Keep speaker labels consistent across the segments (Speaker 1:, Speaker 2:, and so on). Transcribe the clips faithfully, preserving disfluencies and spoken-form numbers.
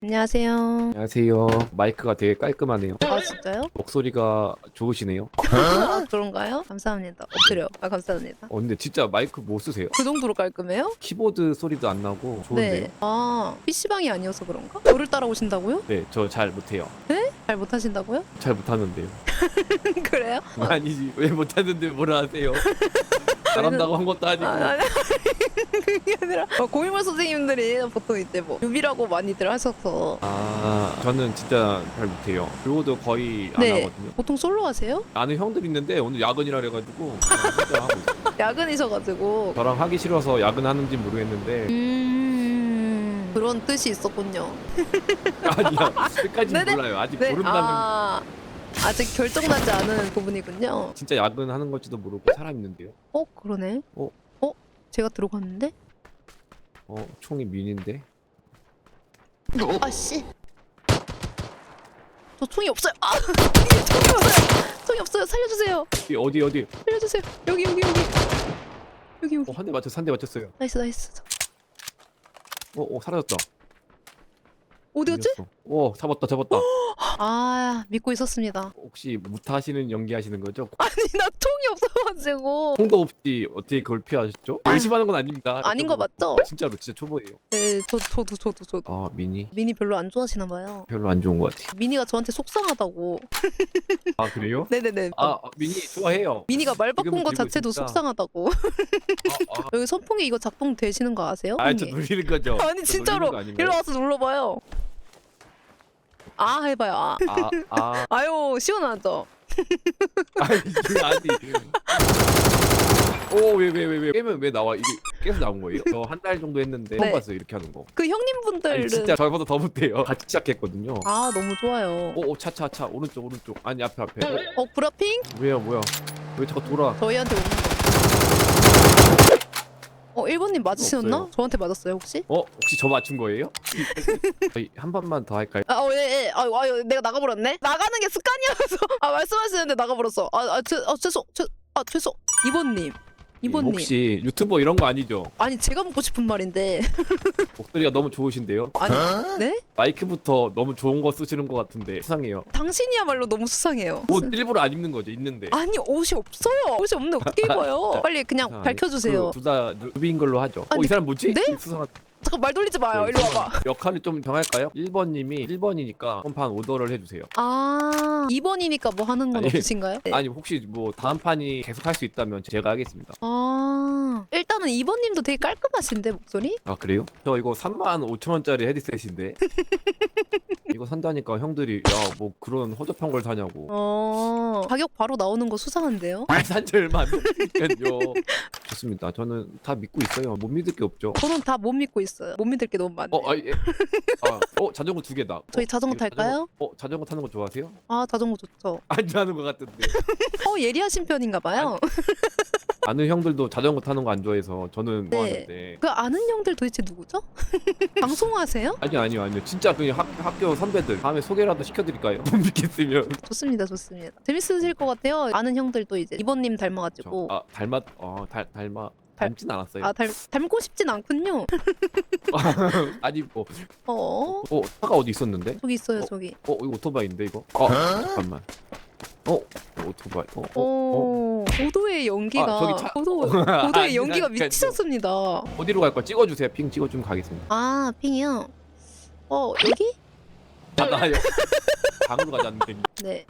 Speaker 1: 안녕하세요.
Speaker 2: 안녕하세요. 마이크가 되게 깔끔하네요.
Speaker 1: 아 진짜요?
Speaker 2: 목소리가 좋으시네요.
Speaker 1: 아 그런가요? 감사합니다. 엎드려. 아 감사합니다.
Speaker 2: 어, 근데 진짜 마이크 뭐 쓰세요?
Speaker 1: 그 정도로 깔끔해요?
Speaker 2: 키보드 소리도 안 나고 좋은데요?
Speaker 1: 네. 아 피시방이 아니어서 그런가? 저를 따라오신다고요?
Speaker 2: 네, 저 잘 못해요.
Speaker 1: 잘 못하신다고요?
Speaker 2: 잘 못하는데요.
Speaker 1: 그래요?
Speaker 2: 아니지, 왜 못하는데 뭐라 하세요? 잘한다고 한 것도 아니고.
Speaker 1: 아, 아니, 그게 아니라 어, 고인물 선생님들이 보통 이제 뭐 유비라고 많이들 하셔서
Speaker 2: 아, 저는 진짜 잘 못해요. 그리고도 거의 안
Speaker 1: 네.
Speaker 2: 하거든요.
Speaker 1: 보통 솔로 하세요?
Speaker 2: 아는 형들 있는데 오늘 야근이라 그래가지고 그냥 혼자 하고 있어요.
Speaker 1: 야근이셔가지고
Speaker 2: 저랑 하기 싫어서 야근하는지 모르겠는데
Speaker 1: 음 그런 뜻이 있었군요.
Speaker 2: 아니야, 끝까지
Speaker 1: 네네.
Speaker 2: 몰라요. 아직
Speaker 1: 네.
Speaker 2: 모른다는
Speaker 1: 아 아직 결정나지 않은 부분이군요.
Speaker 2: 진짜 야근하는 걸지도 모르고 사람 있는데요.
Speaker 1: 어 그러네.
Speaker 2: 어?
Speaker 1: 어? 제가 들어갔는데?
Speaker 2: 어, 총이 민인데.
Speaker 1: 아씨. 저 총이 없어요. 아 총이 없어요. 총이 없어요. 살려주세요.
Speaker 2: 어디 어디 어디?
Speaker 1: 살려주세요. 여기 여기 여기 여기 여기.
Speaker 2: 어, 한 대 맞췄어, 한 대 맞췄어요.
Speaker 1: 나이스 나이스.
Speaker 2: 어, 어, 사라졌다.
Speaker 1: 어디 갔지?
Speaker 2: 밀렸어. 오, 잡았다, 잡았다.
Speaker 1: 아 믿고 있었습니다.
Speaker 2: 혹시 무타하시는 연기하시는 거죠?
Speaker 1: 아니 나 총이 없어가지고.
Speaker 2: 총도 없이 어떻게 그걸 피하셨죠?
Speaker 1: 아니,
Speaker 2: 의심하는 건 아닙니다.
Speaker 1: 아닌 거 맞죠?
Speaker 2: 진짜로, 진짜 초보예요.
Speaker 1: 네, 저 저도 저도 저도.
Speaker 2: 아, 미니
Speaker 1: 미니 별로 안 좋아하시나 봐요.
Speaker 2: 별로 안 좋은 것 같아요.
Speaker 1: 미니가 저한테 속상하다고.
Speaker 2: 아, 그래요?
Speaker 1: 네네네.
Speaker 2: 아, 아, 미니 좋아해요.
Speaker 1: 미니가 말 바꾼
Speaker 2: 지금은
Speaker 1: 거
Speaker 2: 들고
Speaker 1: 자체도
Speaker 2: 있으니까.
Speaker 1: 속상하다고.
Speaker 2: 아, 아,
Speaker 1: 여기 선풍기 이거 작동 되시는 거 아세요?
Speaker 2: 아, 저
Speaker 1: 언니?
Speaker 2: 놀리는 거죠?
Speaker 1: 아니
Speaker 2: 저
Speaker 1: 진짜로
Speaker 2: 놀리는 거 아닌가요?
Speaker 1: 일로 와서 눌러봐요. 아 해봐요. 아.
Speaker 2: 아, 아,
Speaker 1: 아유 시원하죠.
Speaker 2: 아니, 이게 아니. 오, 왜, 왜, 왜, 왜? 게임은 왜 나와? 이게 계속 나온 거예요? 저 한 달 정도 했는데 처음
Speaker 1: 네.
Speaker 2: 봤어요, 이렇게 하는 거.
Speaker 1: 그 형님분들은
Speaker 2: 아니, 진짜 저보다 더 못해요. 같이 시작했거든요.
Speaker 1: 아 너무 좋아요.
Speaker 2: 오, 오, 차, 차, 차. 오른쪽, 오른쪽. 아니, 앞에, 앞에. 어,
Speaker 1: 어 브라핑
Speaker 2: 뭐야, 뭐야. 왜 자꾸 돌아?
Speaker 1: 저희한테 오는 거. 어 일 번님 맞으셨나?
Speaker 2: 없어요.
Speaker 1: 저한테 맞았어요 혹시?
Speaker 2: 어? 혹시 저 맞춘 거예요? 저희 한 번만 더 할까요?
Speaker 1: 아예예. 예. 아유 아유 내가 나가버렸네. 나가는 게 습관이어서. 아 말씀하시는데 나가버렸어. 아아 아, 죄송 죄아 죄송. 이번님. 이번님.
Speaker 2: 혹시 유튜버 이런 거 아니죠?
Speaker 1: 아니 제가 묻고 싶은 말인데.
Speaker 2: 목소리가 너무 좋으신데요?
Speaker 1: 아니 네?
Speaker 2: 마이크부터 너무 좋은 거 쓰시는 것 같은데 수상해요.
Speaker 1: 당신이야말로 너무 수상해요.
Speaker 2: 옷 일부러 안 입는 거죠? 있는데.
Speaker 1: 아니 옷이 없어요. 옷이 없는데 어떻게 입어요? 빨리 그냥 밝혀주세요.
Speaker 2: 둘다 누비인 걸로 하죠.
Speaker 1: 아니,
Speaker 2: 어, 이 사람 뭐지?
Speaker 1: 네?
Speaker 2: 수상한.
Speaker 1: 잠깐 말 돌리지 마요. 일로 와봐.
Speaker 2: 역할을 좀 정할까요? 일 번님이 일 번이니까 한 판 오더를 해주세요.
Speaker 1: 아 이 번이니까 뭐 하는 건
Speaker 2: 아니,
Speaker 1: 없으신가요? 네.
Speaker 2: 아니 혹시 뭐 다음 판이 계속 할 수 있다면 제가 하겠습니다.
Speaker 1: 아 일단은 이 번님도 되게 깔끔하신데 목소리?
Speaker 2: 아 그래요? 저 이거 삼만 오천 원짜리 헤드셋인데 이거 산다니까 형들이 야 뭐 그런 허접한 걸 사냐고.
Speaker 1: 어 가격 바로 나오는 거 수상한데요?
Speaker 2: 산지 얼마 안 됐으니까요. 좋습니다. 저는 다 믿고 있어요. 못 믿을 게 없죠.
Speaker 1: 저는 다 못 믿고 있어요. 못 믿을 게 너무 많네.
Speaker 2: 어, 아, 예. 아, 어 자전거 두 개다. 어,
Speaker 1: 저희 자전거
Speaker 2: 이거
Speaker 1: 탈까요?
Speaker 2: 자전거, 어 자전거 타는 거 좋아하세요?
Speaker 1: 아 자전거 좋죠.
Speaker 2: 안 좋아하는 것 같은데.
Speaker 1: 어 예리하신 편인가 봐요.
Speaker 2: 아는 형들도 자전거 타는 거 안 좋아해서 저는
Speaker 1: 네.
Speaker 2: 좋아하는데.
Speaker 1: 그 아는 형들 도대체 누구죠? 방송하세요?
Speaker 2: 아니요 아니요 아니요 진짜 그냥 학, 학교 선배들 다음에 소개라도 시켜드릴까요? 못 믿겠으면.
Speaker 1: 좋습니다, 좋습니다. 재밌으실 것 같아요. 아는 형들도 이제 이번님
Speaker 2: 저,
Speaker 1: 닮아가지고
Speaker 2: 아 닮았 어 닮, 닮아
Speaker 1: 닮-
Speaker 2: 닮진 않았어요.
Speaker 1: 아 닮, 닮고 싶진 않군요.
Speaker 2: 아니 뭐
Speaker 1: 어
Speaker 2: 어, 차가 어디 있었는데?
Speaker 1: 저기 있어요,
Speaker 2: 어?
Speaker 1: 저기.
Speaker 2: 어 이거 오토바이인데 이거? 어 잠깐만. 어 오토바이. 어 어. 어,
Speaker 1: 오, 고도의 연기가
Speaker 2: 아, 저기 차-
Speaker 1: 고도, 고도의
Speaker 2: 아니,
Speaker 1: 연기가
Speaker 2: 아니,
Speaker 1: 미치셨습니다.
Speaker 2: 어디로 갈 거야? 찍어주세요. 핑 찍어주면 가겠습니다.
Speaker 1: 아 핑이요. 어 여기?
Speaker 2: 아 나요. 방으로 가지 않는데.
Speaker 1: 네.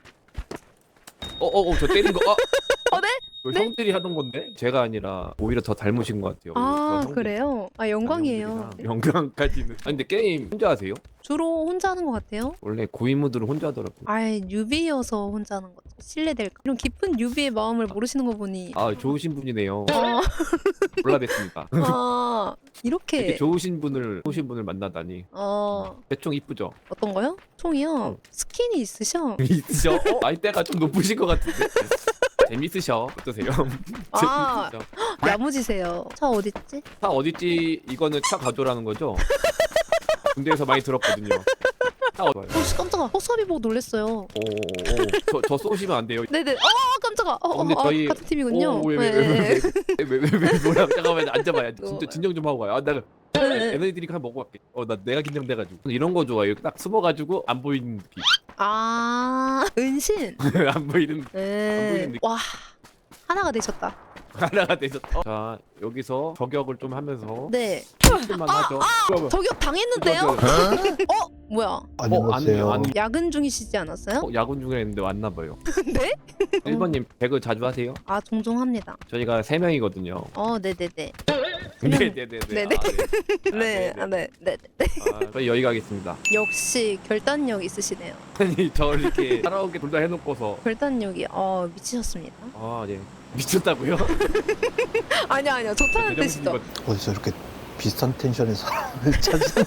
Speaker 2: 어어어 저 때린 거. 어,
Speaker 1: 어, 네?
Speaker 2: 저
Speaker 1: 네?
Speaker 2: 형들이 하던 건데 제가 아니라 오히려 더 닮으신 것 같아요.
Speaker 1: 아
Speaker 2: 저 형들-
Speaker 1: 그래요? 아 영광이에요.
Speaker 2: 형들이랑 영광까지는. 아 근데 게임 혼자 하세요?
Speaker 1: 주로 혼자 하는 것 같아요.
Speaker 2: 원래 고인물들은 혼자 하더라고.
Speaker 1: 아이 뉴비여서 혼자 하는 거죠. 실례될까? 이런 깊은 뉴비의 마음을 모르시는 거 보니.
Speaker 2: 아 좋으신 분이네요.
Speaker 1: 아,
Speaker 2: 몰라뵙습니다.
Speaker 1: 아
Speaker 2: 이렇게
Speaker 1: 이렇게.
Speaker 2: 좋으신 분을 좋으신 분을 만나다니.
Speaker 1: 어
Speaker 2: 대충 이쁘죠?
Speaker 1: 어떤 거요? 총이요?
Speaker 2: 어.
Speaker 1: 스킨이 있으셔.
Speaker 2: 있으셔? 어? 나이대가 좀 높으신 것 같은데. 재밌으셔. 어떠세요?
Speaker 1: 아.
Speaker 2: 재밌으셔.
Speaker 1: 야무지세요. 차 어딨지?
Speaker 2: 차 어딨지? 이거는 차 가져라는 거죠? 군대에서 많이 들었거든요. 차 어디?
Speaker 1: 어, 씨, 깜짝아. 허수아비 보고 놀랬어요.
Speaker 2: 오, 저, 저 쏘시면 안 돼요.
Speaker 1: 네네. 어, 깜짝아. 어,
Speaker 2: 어, 근데
Speaker 1: 어,
Speaker 2: 저희-
Speaker 1: 아, 같은 팀이군요.
Speaker 2: 오, 왜, 왜,
Speaker 1: 네,
Speaker 2: 왜,
Speaker 1: 네, 네.
Speaker 2: 왜왜왜 뭐야? 잠깐만 앉아봐요.
Speaker 1: 어.
Speaker 2: 진짜 진정 좀 하고 가요. 아, 나
Speaker 1: 네.
Speaker 2: 에너지들이 그냥 먹고 갈게. 어 나 내가 긴장돼가지고 이런 거 좋아해요. 딱 숨어가지고 안 보이는 느낌.
Speaker 1: 아 은신.
Speaker 2: 안 보이는
Speaker 1: 네.
Speaker 2: 보이는 느낌.
Speaker 1: 와 하나가 되셨다.
Speaker 2: 하나가 되셨다. 자 여기서 저격을 좀 하면서
Speaker 1: 네.
Speaker 2: 힘들만 하죠. 뭐야, 뭐야.
Speaker 1: 저격 당했는데요? 어 뭐야?
Speaker 2: 어,
Speaker 3: 안녕하세요.
Speaker 2: 안, 안,
Speaker 1: 야근 중이시지 않았어요?
Speaker 2: 어, 야근 중에 했는데 왔나 봐요.
Speaker 1: 네?
Speaker 2: 일 번님 배그 자주 하세요?
Speaker 1: 아 종종 합니다.
Speaker 2: 저희가 세 명이거든요.
Speaker 1: 어 네네네. 명.
Speaker 2: 네네네네.
Speaker 1: 네네.
Speaker 2: 아, 네.
Speaker 1: 네, 아, 네, 네, 네.
Speaker 2: 아, 저희 여기 가겠습니다.
Speaker 1: 역시 결단력 있으시네요.
Speaker 2: 아니 저 이렇게 따라오게 둘 다 해놓고서
Speaker 1: 결단력이 어 미치셨습니다.
Speaker 2: 아 네. 미쳤다고요?
Speaker 1: 아니요 아니요 좋다는 뜻이죠.
Speaker 3: 어디서 이렇게 비슷한 텐션의 사람을 찾은?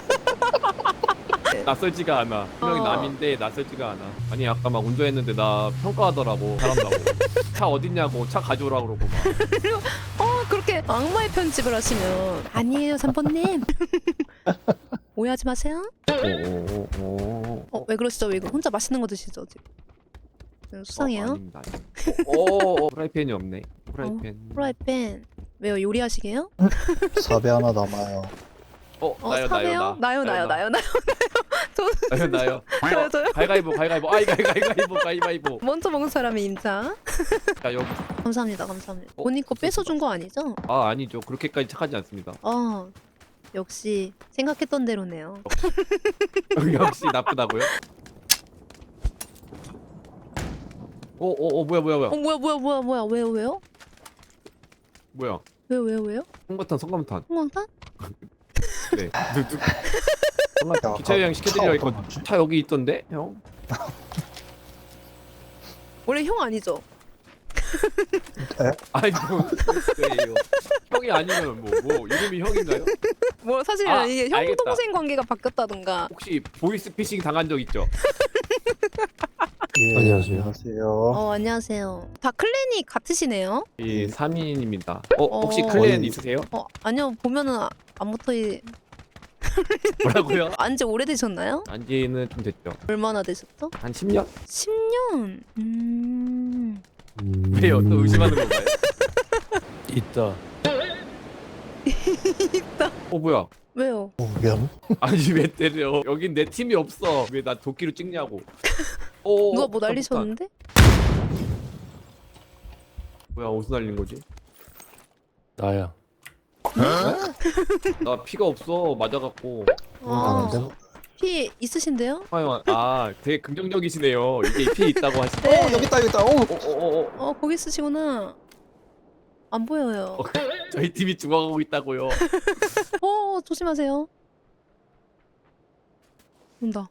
Speaker 2: 낯설지가 않아. 분명히
Speaker 1: 어.
Speaker 2: 남인데 낯설지가 않아. 아니 아까 막 운전했는데 나 평가하더라고. 잘한다고. 차 어딨냐고 차 가져오라 그러고 막.
Speaker 1: 어 그렇게 악마의 편집을 하시면 아니에요 삼 번님. 오해하지 마세요.
Speaker 2: 오오오오.
Speaker 1: 어 왜 그러시죠? 왜 이거 혼자 맛있는 거 드시죠 지금? 음, 수상해요.
Speaker 2: 어, 아닙니다. 오, 오, 프라이팬이 없네. 프라이팬.
Speaker 1: 프라이팬 왜요? 요리하시게요?
Speaker 3: 사배 하나 남아요.
Speaker 2: 어,
Speaker 1: 어
Speaker 2: 나요,
Speaker 1: 사배요?
Speaker 2: 나요, 나.
Speaker 1: 나요 나요 나요 나요.
Speaker 2: 나요, 나요.
Speaker 1: 저요 저요.
Speaker 2: 가위가위보, 가위가위보. 아이, 가위가위보, 가위바위보.
Speaker 1: 먼저 먹은 사람이 임자.
Speaker 2: 자, 여기.
Speaker 1: 감사합니다 감사합니다.
Speaker 2: 어,
Speaker 1: 본인 거 뺏어준 거 아니죠?
Speaker 2: 아, 아니죠. 그렇게까지 착하지 않습니다.
Speaker 1: 어 역시 생각했던 대로네요.
Speaker 2: 역시 나쁘다고요? 오, 오, 오, 뭐야, 뭐야, 뭐야.
Speaker 1: 어 뭐야 뭐야 뭐야 뭐야 왜요 왜요?
Speaker 2: 뭐야?
Speaker 1: 왜요 왜요 왜요?
Speaker 2: 성감탄, 성감탄.
Speaker 1: 홍광탄?
Speaker 2: 네. 누, 누.
Speaker 3: 야,
Speaker 2: 성감 기차 여행 시켜드리려
Speaker 3: 차
Speaker 2: 했거든.
Speaker 3: 어떤 거지?
Speaker 2: 차 여기 있던데, 형?
Speaker 1: 원래 형 아니죠?
Speaker 2: 아니, 뭐, 그래요. 형이 아니면 뭐, 뭐, 이름이 형인가요?
Speaker 1: 뭐 사실은
Speaker 2: 아,
Speaker 1: 이게 형
Speaker 2: 알겠다.
Speaker 1: 동생 관계가 바뀌었다던가.
Speaker 2: 혹시 보이스피싱 당한 적 있죠?
Speaker 3: 예,
Speaker 4: 안녕하세요.
Speaker 3: 안녕하세요.
Speaker 1: 어 안녕하세요. 다 클랜이 같으시네요?
Speaker 2: 이 삼 인입니다. 어, 혹시
Speaker 1: 어.
Speaker 2: 클랜
Speaker 3: 거의-
Speaker 2: 있으세요?
Speaker 1: 어 아니요 보면은 아- 안 붙어
Speaker 2: 뭐라고요?
Speaker 1: 안지 오래되셨나요?
Speaker 2: 안지는 좀 됐죠.
Speaker 1: 얼마나 되셨죠?
Speaker 2: 한 십 년?
Speaker 1: 십 년. 음.
Speaker 4: 음,
Speaker 2: 왜요? 또 의심하는 건가요?
Speaker 4: 있다.
Speaker 2: 어, 뭐야?
Speaker 1: 왜요?
Speaker 3: 오면
Speaker 2: 아니, 왜 때려? 여긴 내 팀이 없어. 왜 나 도끼로 찍냐고. 어,
Speaker 1: 누가 뭐
Speaker 2: 폭탄,
Speaker 1: 날리셨는데?
Speaker 2: 폭탄. 뭐야, 어디서 날린 거지?
Speaker 4: 나야.
Speaker 2: 나 피가 없어. 맞아갖고.
Speaker 1: 아,
Speaker 3: 아는데?
Speaker 1: 피 있으신데요?
Speaker 2: 아, 아, 되게 긍정적이시네요. 이게 피 있다고 하시네.
Speaker 3: 어 여기 있다 여기 있다. 오.
Speaker 2: 어, 어, 어, 어.
Speaker 1: 어 거기 있으시구나. 안 보여요.
Speaker 2: 어, 저희 팀이 죽어가고 있다고요.
Speaker 1: 어 조심하세요. 온다.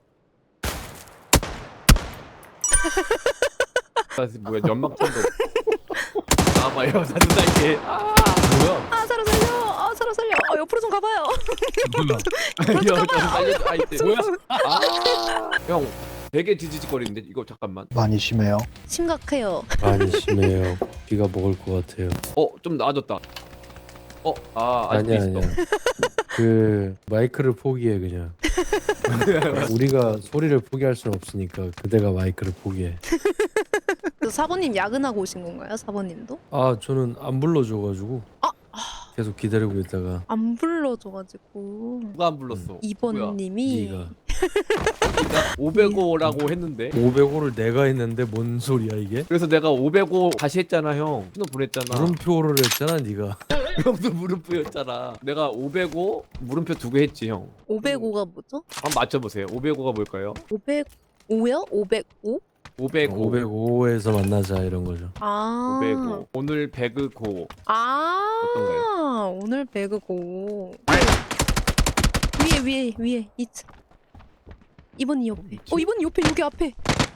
Speaker 2: 나 지금 뭐야, 연막탄도. 나와봐요, 사준다이게. 아,
Speaker 4: 뭐야?
Speaker 1: 아 사로 살려. 아 사로 살려. 어 옆으로 좀 가봐요.
Speaker 4: 뭐야?
Speaker 2: 형, 좀 살려줘. 아이, 뭐야? 아, 형, 되게 지지직거리는데 이거 잠깐만.
Speaker 3: 많이 심해요.
Speaker 1: 심각해요.
Speaker 4: 많이 심해요. 비가 먹을 것 같아요.
Speaker 2: 어, 좀 나아졌다. 어, 아, 아직도
Speaker 4: 아니야
Speaker 2: 있어.
Speaker 4: 아니야. 그 마이크를 포기해 그냥. 우리가 소리를 포기할 수는 없으니까 그대가 마이크를 포기해.
Speaker 1: 그 사모님 야근하고 오신 건가요? 사모님도?
Speaker 4: 아 저는 안 불러줘가지고
Speaker 1: 아,
Speaker 4: 계속 기다리고 있다가
Speaker 1: 안 불러줘가지고
Speaker 2: 누가 안 불렀어?
Speaker 1: 이 번님이
Speaker 4: 네가
Speaker 2: 내가 오백오라고 했는데.
Speaker 4: 오백오를 내가 했는데 뭔 소리야 이게?
Speaker 2: 그래서 내가 오백오 다시 했잖아, 형. 신호 보냈잖아.
Speaker 4: 물음표를 했잖아 네가.
Speaker 2: 형도 물음표였잖아. 내가 오백오 물음표 두 개 했지, 형.
Speaker 1: 오백오가 뭐죠?
Speaker 2: 한번 맞춰보세요. 오백오가 뭘까요?
Speaker 1: 오백오요? 오백오?
Speaker 2: 오백오.
Speaker 4: 오백오에서 만나자 이런 거죠.
Speaker 1: 아
Speaker 2: 오백오. 오늘 배그고.
Speaker 1: 아
Speaker 2: 어떤가요?
Speaker 1: 오늘 배그고 위에 위에 위에 이층 이번이 옆에 어 이번이 옆에 여기 앞에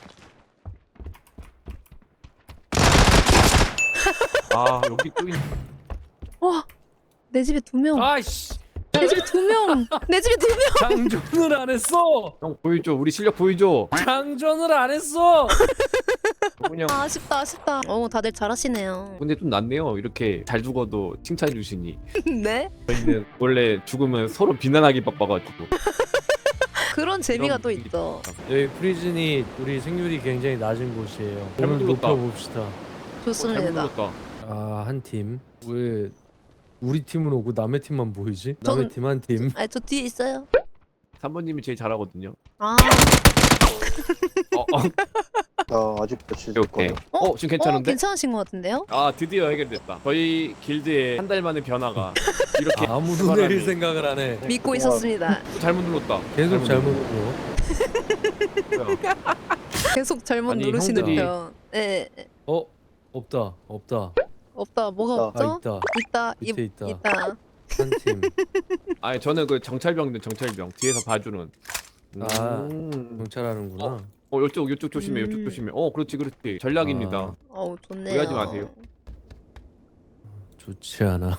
Speaker 2: 아, 여기 또 있네.
Speaker 1: 와내 집에 두명내
Speaker 4: 아이씨
Speaker 1: 집에 두명내 집에 두명
Speaker 4: 장전을 안 했어.
Speaker 2: 형 보여줘. 우리 실력 보여줘.
Speaker 4: 장전을 안 했어.
Speaker 2: 그냥.
Speaker 1: 아쉽다 아쉽다 어 다들 잘하시네요
Speaker 2: 근데 좀 낫네요. 이렇게 잘 죽어도 칭찬해 주시니.
Speaker 1: 네
Speaker 2: 저희는 원래 죽으면 서로 비난하기 바빠가지고.
Speaker 1: 그런 재미가
Speaker 2: 그런
Speaker 1: 또
Speaker 2: 분위기.
Speaker 1: 있죠
Speaker 4: 여기 프리즌이 우리 생률이 굉장히 낮은 곳이에요.
Speaker 2: 잘못
Speaker 4: 오늘
Speaker 2: 눌렀다.
Speaker 4: 높여봅시다.
Speaker 2: 어, 잘
Speaker 1: 좋습니다
Speaker 2: 불렀다.
Speaker 4: 아 한 팀. 왜 우리 팀은 오고 남의 팀만 보이지?
Speaker 1: 저는-
Speaker 4: 남의 팀 한 팀.
Speaker 1: 아, 저 뒤에 있어요.
Speaker 2: 삼 번님이 제일 잘하거든요.
Speaker 1: 아,
Speaker 2: 어, 어,
Speaker 3: 나 아직도
Speaker 2: 오케이.
Speaker 3: 지거든.
Speaker 2: 어, 어, 지금 괜찮은데?
Speaker 1: 어, 괜찮으신 것 같은데요?
Speaker 2: 아, 드디어 해결됐다. 저희 길드의 한 달 만의 변화가 이렇게
Speaker 4: 아무도
Speaker 2: 사람이-
Speaker 4: 내릴 생각을 안 해.
Speaker 1: 믿고
Speaker 3: 우와.
Speaker 1: 있었습니다.
Speaker 2: 잘못 눌렀다.
Speaker 4: 계속 잘못
Speaker 2: 눌렀다.
Speaker 4: 눌러.
Speaker 1: 계속 잘못
Speaker 2: 아니,
Speaker 1: 누르시는
Speaker 2: 형들이-
Speaker 1: 편. 예, 예.
Speaker 4: 어? 없다. 없다.
Speaker 1: 없다. 뭐가
Speaker 3: 있다.
Speaker 4: 아
Speaker 1: 없죠?
Speaker 4: 있다.
Speaker 1: 있다.
Speaker 4: 밑에
Speaker 1: 이-
Speaker 4: 있다.
Speaker 1: 있다.
Speaker 4: 한 팀.
Speaker 2: 아니, 저는 그 정찰병들 정찰병 뒤에서 봐주는.
Speaker 4: 아.
Speaker 2: 음.
Speaker 4: 경찰하는구나.
Speaker 2: 어. 어, 이쪽 이쪽 조심해. 이쪽
Speaker 1: 음.
Speaker 2: 조심해. 어, 그렇지, 그렇지. 전략입니다.
Speaker 4: 아.
Speaker 1: 어우, 좋네요.
Speaker 2: 오해하지 마세요.
Speaker 4: 좋지 않아.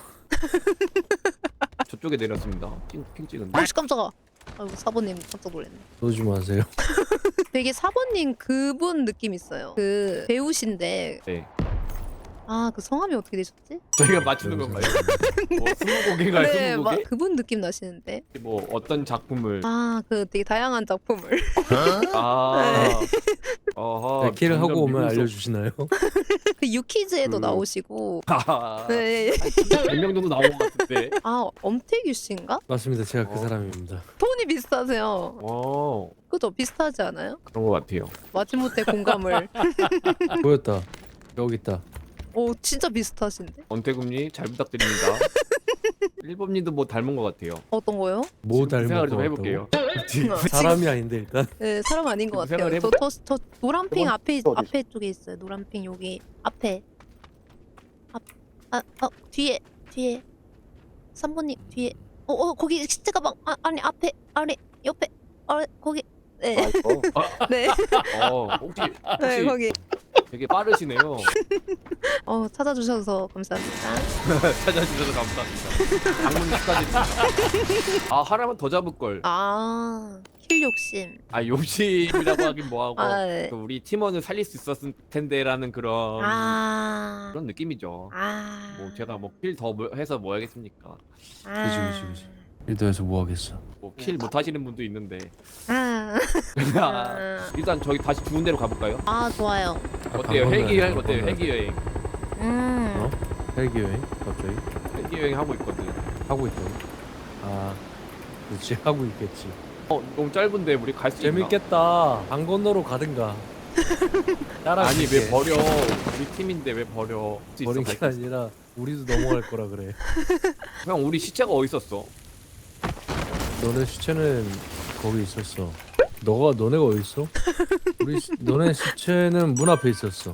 Speaker 2: 저쪽에 내렸습니다. 핑, 핑 찍은데.
Speaker 1: 아씨 깜짝아. 아이고 사번님 깜짝 놀랐네.
Speaker 4: 쏘지 마세요.
Speaker 1: 되게 사번님 그분 느낌 있어요. 그 배우신데
Speaker 2: 네.
Speaker 1: 아 그 성함이 어떻게 되셨지?
Speaker 2: 저희가 맞추는 건가요? 뭐 스무고개가
Speaker 1: 네, 막
Speaker 2: 스무고개?
Speaker 1: 그분 느낌 나시는데.
Speaker 2: 뭐 어떤 작품을?
Speaker 1: 아 그 되게 다양한 작품을.
Speaker 2: 아. 어허.
Speaker 4: 네, 킬을 하고
Speaker 2: 점점
Speaker 4: 오면
Speaker 2: 미국 속-
Speaker 4: 알려주시나요?
Speaker 1: 그 유키즈에도
Speaker 2: 그-
Speaker 1: 나오시고.
Speaker 2: 아.
Speaker 1: 네.
Speaker 2: 백 명 정도 나온 것 같은데.
Speaker 1: 아 엄태규 씨인가?
Speaker 4: 맞습니다. 제가
Speaker 2: 어.
Speaker 4: 그 사람입니다.
Speaker 1: 톤이 비슷하세요.
Speaker 2: 어.
Speaker 1: 그죠? 비슷하지 않아요?
Speaker 2: 그런 것 같아요.
Speaker 1: 마지못해 공감을.
Speaker 4: 보였다. 여기 있다.
Speaker 1: 오 진짜 비슷하신데?
Speaker 2: 언태금님 잘 부탁드립니다. 일범님도 뭐 닮은 것 같아요.
Speaker 1: 어떤 거요?
Speaker 4: 뭐
Speaker 2: 지금
Speaker 4: 닮은
Speaker 2: 생각을
Speaker 4: 것
Speaker 2: 좀
Speaker 4: 같다고?
Speaker 2: 해볼게요.
Speaker 4: 사람이 아닌데 일단.
Speaker 1: 네 사람 아닌 것
Speaker 2: 생각을
Speaker 1: 같아요.
Speaker 2: 해보-
Speaker 1: 저 저 저 노란핑
Speaker 3: 해본-
Speaker 1: 앞에
Speaker 3: 어디
Speaker 1: 앞에 쪽에 있어요. 노란핑 여기 앞에. 앞아 어, 뒤에 뒤에 삼 번님 뒤에. 어 어 거기 시체 가방 아 아니 앞에 아래 옆에 아래 거기. 네
Speaker 3: 아 이거
Speaker 1: 네.
Speaker 2: 어, 혹시,
Speaker 1: 네
Speaker 2: 혹시
Speaker 1: 거기.
Speaker 2: 되게 빠르시네요.
Speaker 1: 어 찾아주셔서 감사합니다.
Speaker 2: 찾아주셔서 감사합니다. 방문 축하드립니다. 아, 하나만 더 잡을 걸.
Speaker 1: 아 킬 욕심.
Speaker 2: 아, 욕심이라고 하긴 뭐하고
Speaker 1: 아 네.
Speaker 2: 그 우리 팀원을 살릴 수 있었을 텐데라는 그런
Speaker 1: 아.
Speaker 2: 그런 느낌이죠.
Speaker 1: 아.
Speaker 2: 뭐 제가 뭐 킬 더 해서 뭐 하겠습니까?
Speaker 1: 아.
Speaker 4: 그지 그지 그지. 일도에서 뭐 하겠어.
Speaker 2: 뭐 킬 못 하시는 분도 있는데.
Speaker 1: 아.
Speaker 2: 아,
Speaker 1: 아.
Speaker 2: 일단 저희 다시 좋은 데로 가볼까요?
Speaker 1: 아 좋아요.
Speaker 4: 아,
Speaker 2: 어때요?
Speaker 4: 간
Speaker 2: 헬기
Speaker 4: 건너야
Speaker 2: 여행
Speaker 4: 돼,
Speaker 2: 어때요?
Speaker 4: 건너야
Speaker 2: 헬기 여행.
Speaker 1: 음.
Speaker 4: 어? 헬기 여행? 갑자기?
Speaker 2: 헬기 여행 하고 있거든.
Speaker 4: 하고 있다고? 아 그렇지 하고 있겠지.
Speaker 2: 어, 너무 짧은데 우리 갈 수 있나?
Speaker 4: 재밌겠다. 강 건너로 가든가. 따라
Speaker 2: 아니 왜 버려? 우리 팀인데 왜 버려? 할수 있어,
Speaker 4: 버린
Speaker 2: 갈
Speaker 4: 게
Speaker 2: 수 있어.
Speaker 4: 아니라 우리도 넘어갈 거라 그래.
Speaker 2: 형 우리 시체가 어디 있었어?
Speaker 4: 너네 시체는 거기 있었어. 너가 너네가 어디 있어? 우리 시, 너네 시체는 문 앞에 있었어.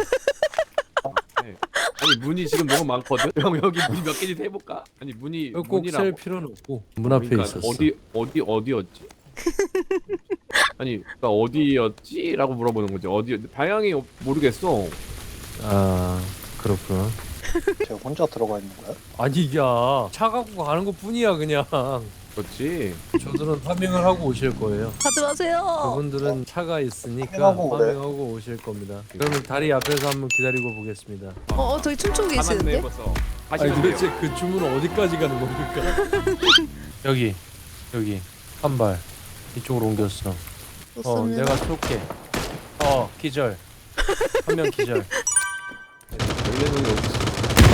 Speaker 2: 네. 아니 문이 지금 너무 많거든. 형 여기 문이 몇 개인지 해볼까? 아니 문이
Speaker 4: 꼭
Speaker 2: 문이라고.
Speaker 4: 셀 필요는 없고 문 앞에
Speaker 2: 그러니까
Speaker 4: 있었어.
Speaker 2: 어디 어디 어디였지? 아니 그러니까 어디였지?라고 물어보는 거지. 어디 방향이 모르겠어.
Speaker 4: 아 그렇구나.
Speaker 3: 제가 혼자 들어가 있는 거야?
Speaker 4: 아니 야 차 갖고 가는 것 뿐이야 그냥.
Speaker 2: 그렇지.
Speaker 4: 저들은 파밍을 하고 오실 거예요.
Speaker 1: 가지 마세요.
Speaker 4: 그분들은 차가 있으니까
Speaker 3: 파밍하고 그래.
Speaker 4: 파밍하고 오실 겁니다. 그러면 다리 앞에서 한번 기다리고 보겠습니다.
Speaker 1: 어, 어 저기 춤추고
Speaker 2: 가만
Speaker 1: 계시는데?
Speaker 2: 내버서.
Speaker 4: 아니
Speaker 2: 하시면 돼요.
Speaker 4: 도대체 그 주문은 어디까지 가는 겁니까? 여기 여기 한 발 이쪽으로 옮겼어. 어
Speaker 1: 좋습니다.
Speaker 4: 내가 쏠게. 어 기절. 한 명 기절.
Speaker 2: 원래는 여기 있어.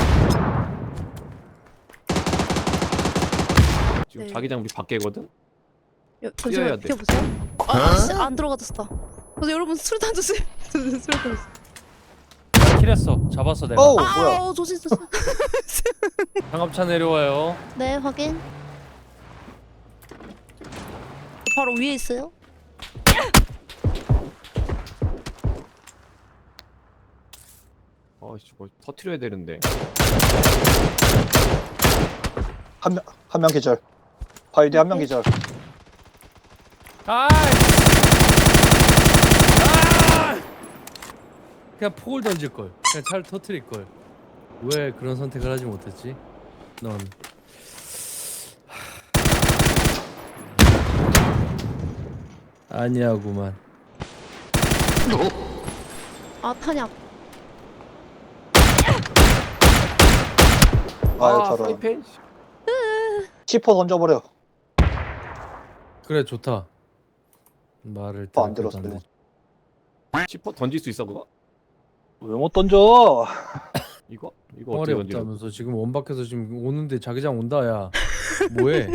Speaker 2: 지금
Speaker 1: 네.
Speaker 2: 자기장 우리 밖에거든.
Speaker 1: 여,
Speaker 2: 뛰어야
Speaker 1: 잠시만
Speaker 2: 돼.
Speaker 1: 비켜보세요. 아, 씨, 안 들어가졌다. 그래서 여러분 수류탄 주세요. 수류탄 주세요.
Speaker 4: 나 킬했어. 잡았어 내가.
Speaker 3: 어우
Speaker 1: 아,
Speaker 3: 뭐야?
Speaker 1: 어, 조심 조심.
Speaker 4: 장갑차 내려와요.
Speaker 1: 네, 확인. 바로 위에 있어요.
Speaker 2: 어씨 뭐 터트려야 되는데.
Speaker 3: 한 명 한 명 기절. 바이디 한 명 기절.
Speaker 4: 아! 아! 그냥 폭을 던질 걸. 그냥 차를 터트릴 걸. 왜 그런 선택을 하지 못했지? 넌 아니야구만.
Speaker 1: 아, 탄약.
Speaker 3: 아유 저런.
Speaker 2: 프라이팬?
Speaker 3: 치포 던져버려.
Speaker 4: 그래 좋다. 말을
Speaker 3: 어, 안
Speaker 4: 들을
Speaker 3: 들었어요.
Speaker 2: 치퍼 던질 수 있어 그거?
Speaker 3: 왜 못 던져?
Speaker 2: 이거? 이거
Speaker 4: 총알이
Speaker 2: 어떻게 던지는?
Speaker 4: 없다면서 지금 원박해서 지금 오는데 자기장 온다 야. 뭐해?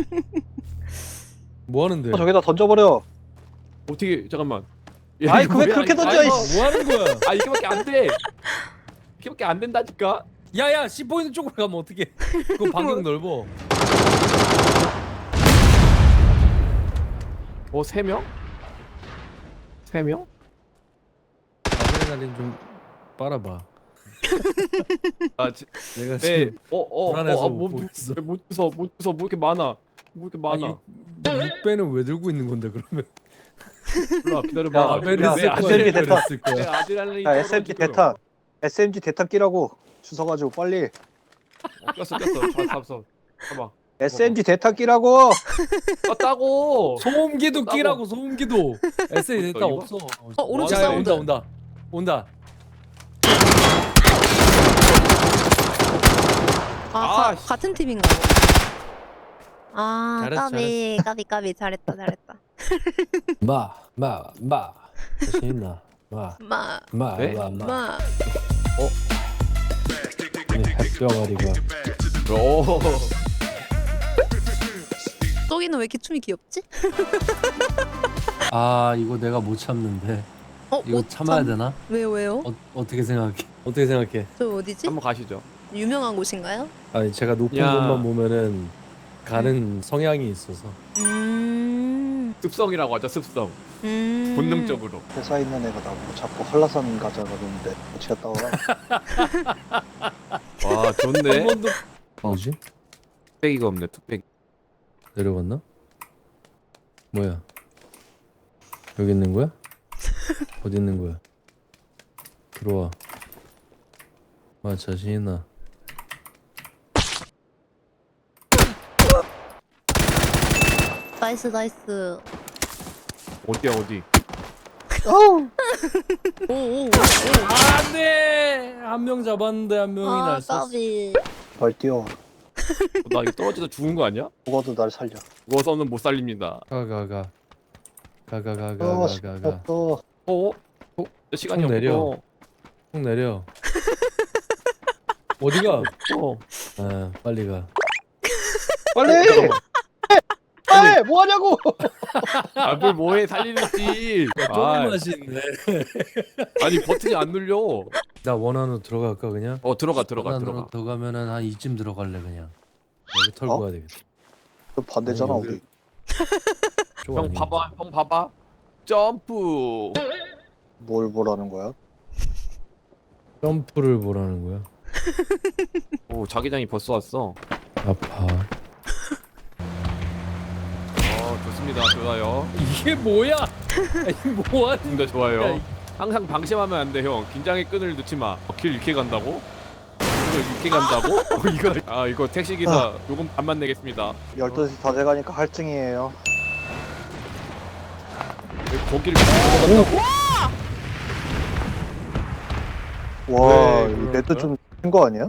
Speaker 4: 뭐 하는데?
Speaker 3: 어, 저기다 던져버려.
Speaker 2: 어떻게 잠깐만.
Speaker 3: 아이,
Speaker 2: 이거
Speaker 3: 왜
Speaker 2: 뭐야,
Speaker 3: 그렇게
Speaker 2: 이거.
Speaker 3: 던져,
Speaker 2: 아이,
Speaker 3: 이씨.
Speaker 4: 뭐 하는 거야?
Speaker 2: 아 이거밖에 안 돼. 이거밖에 안 된다니까.
Speaker 4: 야야 씨 보이는 쪽으로 가면 어떡해? 그거 반경 넓어.
Speaker 2: 어 세 명? 세 명?
Speaker 4: 아드레날린 좀 빨아봐.
Speaker 2: 아 지,
Speaker 4: 내가
Speaker 2: 네.
Speaker 4: 지금
Speaker 2: 어어
Speaker 4: 불안해서
Speaker 2: 어, 어,
Speaker 4: 못
Speaker 2: 뭐,
Speaker 4: 보겠어.
Speaker 2: 못 주서 못 주서 뭐 이렇게 많아. 뭐 이렇게 많아.
Speaker 4: 육 배는 왜 들고 있는 건데 그러면?
Speaker 2: 몰라 기다려봐.
Speaker 3: 야,
Speaker 4: 아벨이
Speaker 3: 야,
Speaker 4: 쓸
Speaker 3: 야,
Speaker 4: 거야.
Speaker 3: 아벨이 됐다.
Speaker 4: 쓸 거야.
Speaker 2: 내 아드레날린이
Speaker 3: 야, 에스엠지
Speaker 2: 떨어지고요.
Speaker 3: 대탄. 에스엠지 대탄 끼라고. 주워가지고 빨리.
Speaker 2: 어, 꼈어 꼈어. 잡았어 잡았어. 봐봐.
Speaker 3: 에스엠지 대탄 끼라고.
Speaker 2: 꼈다고.
Speaker 4: 소음기도
Speaker 2: 따고.
Speaker 4: 끼라고 소음기도. 에스에이
Speaker 2: 어디서,
Speaker 4: 됐다
Speaker 2: 이거?
Speaker 4: 없어.
Speaker 1: 어, 오른쪽
Speaker 4: 야, 야,
Speaker 1: 사운드.
Speaker 4: 온다 온다 온다.
Speaker 1: 아,
Speaker 2: 아,
Speaker 1: 가,
Speaker 2: 씨.
Speaker 1: 같은 팀인가? 아,
Speaker 4: 잘했어,
Speaker 1: 까비, 까비, 까비, 잘했다, 잘했다.
Speaker 4: 마마마 자신 있나?
Speaker 1: 마,
Speaker 2: 네?
Speaker 4: 마마마마.
Speaker 1: 마.
Speaker 4: 햇병아리가.
Speaker 2: 오.
Speaker 1: 쏘기는 왜 이렇게 춤이 귀엽지?
Speaker 4: 아 이거 내가 못 참는데.
Speaker 1: 어,
Speaker 4: 이거
Speaker 1: 못
Speaker 4: 참아야
Speaker 1: 참-
Speaker 4: 되나?
Speaker 1: 왜요, 왜요?
Speaker 4: 어, 어떻게 생각해? 어떻게 생각해?
Speaker 1: 저 어디지?
Speaker 2: 한번 가시죠.
Speaker 1: 유명한 곳인가요?
Speaker 4: 아니 제가 높은
Speaker 2: 야.
Speaker 4: 곳만 보면은 가는 성향이 있어서.
Speaker 1: 음,
Speaker 2: 습성이라고 하죠. 습성.
Speaker 1: 음.
Speaker 2: 본능적으로.
Speaker 3: 회사 있는 애가 나보고 자꾸 한라산 가자 그러는데 같이 갔다 와.
Speaker 2: 와 좋네.
Speaker 4: 한 번도 뭐지?
Speaker 2: 뚝배기가 없네. 뚝배기.
Speaker 4: 내려갔나? 뭐야? 여기 있는 거야? 어디 있는 거야? 들어와. 마 자신 있나?
Speaker 1: 나이스, 나이스.
Speaker 2: 어디야 어디?
Speaker 3: 어우.
Speaker 1: 오, 오, 오.
Speaker 4: 안돼! 한 명 잡았는데 한 명이
Speaker 1: 아,
Speaker 4: 날 쐈어.
Speaker 1: 까비.
Speaker 3: 널 뛰어.
Speaker 2: 어, 나 이거 떨어져서 죽은 거 아니야?
Speaker 3: 죽어도 날 살려.
Speaker 2: 죽어서는 못 살립니다.
Speaker 4: 가가가. 가가가가
Speaker 3: 어,
Speaker 4: 가가가.
Speaker 3: 또
Speaker 2: 어? 어? 시간이
Speaker 4: 총 내려.
Speaker 2: 없어.
Speaker 4: 쭉 내려. 어디가?
Speaker 2: 어.
Speaker 4: 아 빨리 가.
Speaker 3: 빨리. 빨리 뭐 하냐고.
Speaker 2: 아뭘 뭐해 살리는지. 아,
Speaker 4: 조금 맛있네.
Speaker 2: 아니 버튼이 안 눌려.
Speaker 4: 나 원안으로 들어갈까 그냥?
Speaker 2: 어 들어가 들어가
Speaker 4: 원안으로
Speaker 2: 들어가.
Speaker 4: 들어가면은 한 이쯤 들어갈래 그냥. 여기 털고
Speaker 3: 어?
Speaker 4: 가야 되겠다.
Speaker 3: 그 반대잖아
Speaker 4: 아니,
Speaker 3: 우리.
Speaker 4: 쪽
Speaker 2: 형
Speaker 4: 아니야.
Speaker 2: 봐봐 형 봐봐. 점프.
Speaker 3: 뭘 보라는 거야?
Speaker 4: 점프를 보라는 거야.
Speaker 2: 오 자기장이 벌써 왔어.
Speaker 4: 아파.
Speaker 2: 어 좋습니다 좋아요.
Speaker 4: 이게 뭐야? 아니 뭐하는
Speaker 2: 좋습니다 좋아요.
Speaker 4: 야, 이-
Speaker 2: 항상 방심하면 안 돼 형. 긴장의 끈을 놓지 마. 어, 길 이렇게 간다고? 이거 이렇게 간다고? 어, 이거 아 이거 택시 기사 요금 반만 내겠습니다.
Speaker 3: 열두 시 다 돼가니까 할증이에요.
Speaker 2: 왜 거기를 넘어간다고?
Speaker 3: 와,
Speaker 2: 왜
Speaker 3: 이
Speaker 2: 그러는
Speaker 3: 레드
Speaker 2: 거야?
Speaker 3: 좀큰거 아니야?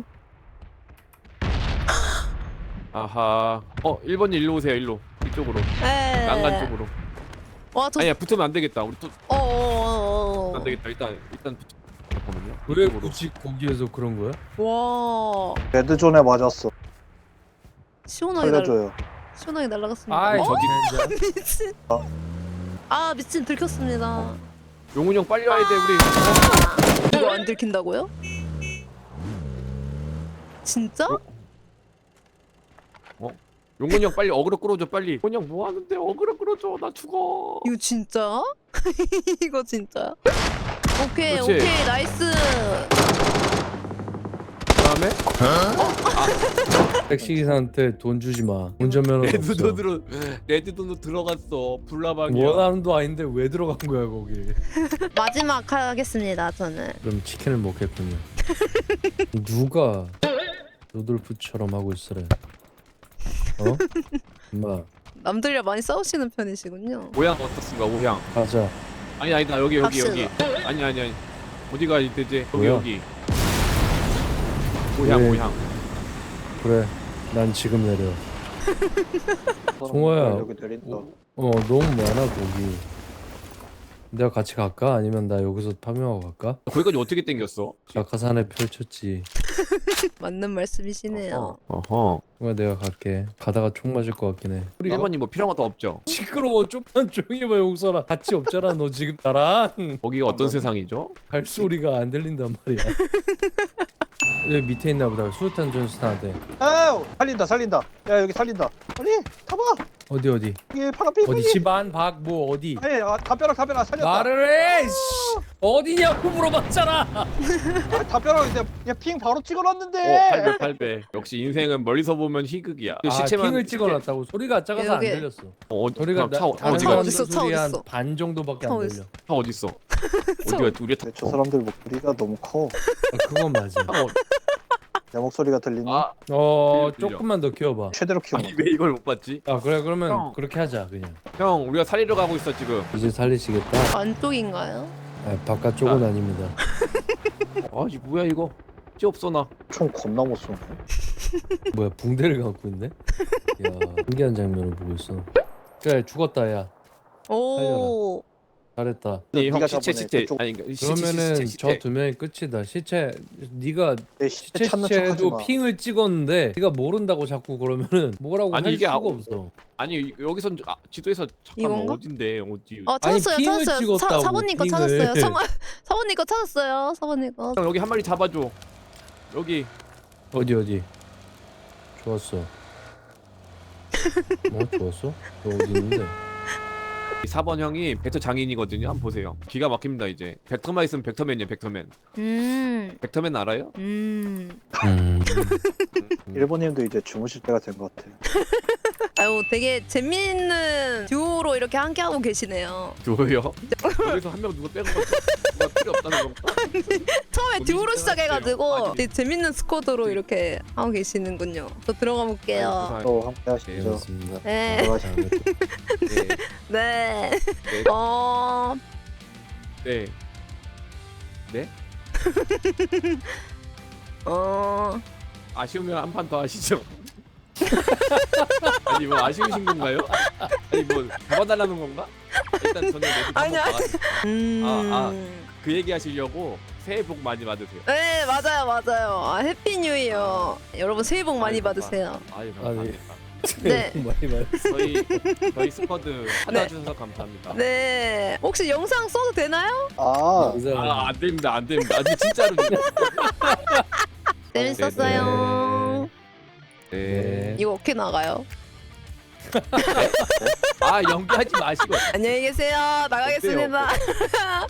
Speaker 2: 아하. 어 일 번님 일로 오세요 일로. 이쪽으로.
Speaker 1: 에.
Speaker 2: 난간 쪽으로.
Speaker 1: 와, 저,
Speaker 2: 아니야 붙으면 안 되겠다. 우리 또
Speaker 1: 어, 어, 어, 어.
Speaker 2: 안 되겠다. 일단 일단 붙. 잠깐만요.
Speaker 4: 왜
Speaker 2: 이쪽으로.
Speaker 4: 굳이 거기에서 그런 거야?
Speaker 1: 와,
Speaker 3: 레드 존에 맞았어.
Speaker 1: 시원하게 날,
Speaker 3: 살려줘요.
Speaker 1: 시원하게 날아갔습니다.
Speaker 4: 아이
Speaker 1: 어?
Speaker 4: 저기
Speaker 1: 미친. 아, 미친, 들켰습니다.
Speaker 2: 용훈 형 빨리 와야 돼 우리.
Speaker 1: 이거 안 들킨다고요? 진짜?
Speaker 2: 용훈 형 빨리 어그로 끌어줘 빨리. 용훈 형 뭐 하는데 어그로 끌어줘 나 죽어.
Speaker 1: 이거 진짜? 이거 진짜? 오케이,
Speaker 2: 그렇지.
Speaker 1: 오케이, 나이스.
Speaker 2: 그다음에
Speaker 4: 택시 기사한테 돈 주지 마. 운전면허
Speaker 2: 레드
Speaker 4: 없어.
Speaker 2: 돈으로 레드 돈으로 들어갔어. 불나방이야.
Speaker 4: 원하는 도 아닌데 왜 들어간 거야 거기?
Speaker 1: 마지막 하겠습니다, 저는.
Speaker 4: 그럼 치킨을 먹겠군요. 누가 루돌프처럼 하고 있으래? 어? 엄마
Speaker 1: 남들이랑 많이 싸우시는 편이시군요.
Speaker 2: 모양 어떻습니까 모양?
Speaker 4: 가자.
Speaker 2: 아니 아니다 여기 여기
Speaker 1: 갑시다.
Speaker 2: 여기. 아니 아니 아니. 어디가 되지? 여기
Speaker 4: 뭐야?
Speaker 2: 여기. 모양
Speaker 4: 왜?
Speaker 2: 모양.
Speaker 4: 그래. 난 지금 내려. 송호야.
Speaker 3: 여기 내린다.
Speaker 4: 어 너무 많아 거기. 내가 같이 갈까? 아니면 나 여기서 파밍하고 갈까?
Speaker 2: 거기까지 어떻게 땡겼어?
Speaker 4: 낙하산에 펼쳤지.
Speaker 1: 맞는 말씀이시네요.
Speaker 2: 어허.
Speaker 4: 정말 내가 갈게. 가다가 총 맞을 것 같긴 해. 우리
Speaker 2: 일 번님 뭐 필요한 것도 없죠?
Speaker 4: 시끄러워. 좀만 조용히 해봐 용서라. 같이 없잖아 너 지금 나랑.
Speaker 2: 거기가 어떤 세상이죠?
Speaker 4: 발소리가 안 들린단 말이야. 여기 밑에 있나 보다. 수류탄 전수탄한테.
Speaker 3: 아유 살린다 살린다. 야 여기 살린다. 아니 타봐.
Speaker 4: 어디 어디?
Speaker 3: 여기 파란빛.
Speaker 4: 어디 집안 밖 뭐 어디?
Speaker 3: 아니 아, 담벼락 담벼락 살렸다.
Speaker 4: 말을 해! 씨! 어디냐고 물어봤잖아!
Speaker 3: 아, 담벼락 이제 그냥 핑 바로 찍어놨는데.
Speaker 2: 어, 팔 배, 팔 배. 역시 인생은 멀리서 보면 희극이야. 그
Speaker 4: 아,
Speaker 2: 시체만
Speaker 4: 핑을 찍어놨다고. 소리가 작아서 안
Speaker 1: 여기.
Speaker 4: 들렸어.
Speaker 2: 어,
Speaker 4: 소리가
Speaker 2: 차,
Speaker 4: 나,
Speaker 2: 차,
Speaker 4: 다른
Speaker 2: 어디
Speaker 1: 차
Speaker 2: 가?
Speaker 4: 사람
Speaker 1: 어딨어, 차
Speaker 4: 소리 한
Speaker 1: 어딨어?
Speaker 4: 반 정도밖에
Speaker 1: 차
Speaker 4: 안
Speaker 1: 어딨어?
Speaker 4: 들려.
Speaker 2: 차 어디 있어? 어디가? 우리 차.
Speaker 3: 저 사람들 목소리가 너무 커.
Speaker 4: 아, 그건 맞아.
Speaker 2: 어,
Speaker 3: 내 목소리가 들리니?
Speaker 2: 아,
Speaker 4: 어,
Speaker 2: 들려, 들려.
Speaker 4: 조금만 더 키워봐.
Speaker 3: 최대로 키워.
Speaker 2: 아니 왜 이걸 못 봤지?
Speaker 4: 아, 그래, 그러면
Speaker 2: 형.
Speaker 4: 그렇게 하자, 그냥.
Speaker 2: 형, 우리가 살리러 가고 있어 지금.
Speaker 4: 이제 살리시겠다?
Speaker 1: 안쪽인가요?
Speaker 4: 아, 바깥쪽은 아닙니다.
Speaker 2: 아, 이 뭐야 이거? 찌 없어 나.
Speaker 3: 총 겁나 못 쏘네.
Speaker 4: 뭐야, 붕대를 갖고 있네? 야, 신기한 장면을 보고 있어. 그래, 죽었다, 야.
Speaker 1: 오.
Speaker 4: 잘했다.
Speaker 2: 아니, 형
Speaker 3: 네가
Speaker 2: 시체
Speaker 3: 저번에
Speaker 2: 시체.
Speaker 3: 그쪽-
Speaker 2: 아니 시- 시-
Speaker 4: 그러면은
Speaker 2: 시체, 시체.
Speaker 4: 저 두 명이 끝이다. 시체, 네가
Speaker 3: 내 시체
Speaker 4: 시체
Speaker 3: 찾는 척 하지
Speaker 4: 시체도
Speaker 3: 마.
Speaker 4: 핑을 찍었는데 네가 모른다고 자꾸 그러면은 뭐라고
Speaker 2: 아니,
Speaker 4: 할
Speaker 2: 이게
Speaker 4: 수가
Speaker 2: 아무-
Speaker 4: 없어.
Speaker 2: 아니 여기선 아, 지도에서 잠깐만
Speaker 1: 이건가?
Speaker 2: 어딘데 어디?
Speaker 1: 어
Speaker 4: 아니,
Speaker 1: 찾았어요
Speaker 4: 핑을
Speaker 1: 찾았어요.
Speaker 4: 찍었다고,
Speaker 1: 사, 사모님 거
Speaker 4: 핑을.
Speaker 1: 찾았어요. 사, 사모님 거 찾았어요. 사모님 거.
Speaker 2: 형 여기 한 마리 잡아줘. 여기.
Speaker 4: 어디 어디? 좋았어. 뭐 좋았어? 너 어디 있는데?
Speaker 2: 사 번 형이 벡터 장인이거든요. 한번 보세요. 기가 막힙니다 이제. 벡터만 있으면 벡터맨이에요. 벡터맨.
Speaker 1: 음.
Speaker 2: 벡터맨 알아요?
Speaker 1: 음.
Speaker 4: 음.
Speaker 3: 일본인도 이제 주무실 때가 된 것 같아.
Speaker 1: 아유 되게 재미있는 듀오로 이렇게 함께 하고 계시네요.
Speaker 2: 누구요? 여기서 한 명 누가 빼고 갔어? 누가 필요 없다는 건가?
Speaker 1: 처음에
Speaker 2: 거기
Speaker 1: 듀오로
Speaker 2: 시작할게요.
Speaker 1: 시작해가지고
Speaker 2: 아니.
Speaker 1: 되게 재밌는 스쿼드로 이렇게 하고 계시는군요. 저 들어가 볼게요.
Speaker 3: 또 함께 하시죠.
Speaker 4: 재밌습니다.
Speaker 1: 네.
Speaker 3: 들어가시죠.
Speaker 2: 네.
Speaker 1: 네.
Speaker 2: 네.
Speaker 1: 어.
Speaker 2: 네. 네?
Speaker 1: 어.
Speaker 2: 아쉬우면 한 판 더 하시죠. 아니 뭐 아쉬우신 건가요? 아니 뭐 잡아달라는 건가? 일단 저는 내일
Speaker 1: 아니야.
Speaker 2: 한번
Speaker 1: 음.
Speaker 2: 아, 그 얘기 하시려고 새해 복 많이 받으세요.
Speaker 1: 네 맞아요 맞아요. 아, 해피 뉴 이어. 여러분 새해 복 많이
Speaker 2: 아이고,
Speaker 1: 받으세요.
Speaker 2: 아유
Speaker 4: 아니.
Speaker 2: 감사합니다.
Speaker 1: 네.
Speaker 4: 많이 말.
Speaker 2: 저희 저희 스쿼드 찾아주셔서 감사합니다.
Speaker 1: 네. 혹시 영상 써도 되나요?
Speaker 3: 아,
Speaker 2: 아, 안 됩니다, 안 됩니다. 아니 진짜로.
Speaker 1: 재밌었어요.
Speaker 2: 네.
Speaker 1: 이거 어떻게 나가요?
Speaker 2: 아 연기하지 마시고.
Speaker 1: 안녕히 계세요. 나가겠습니다.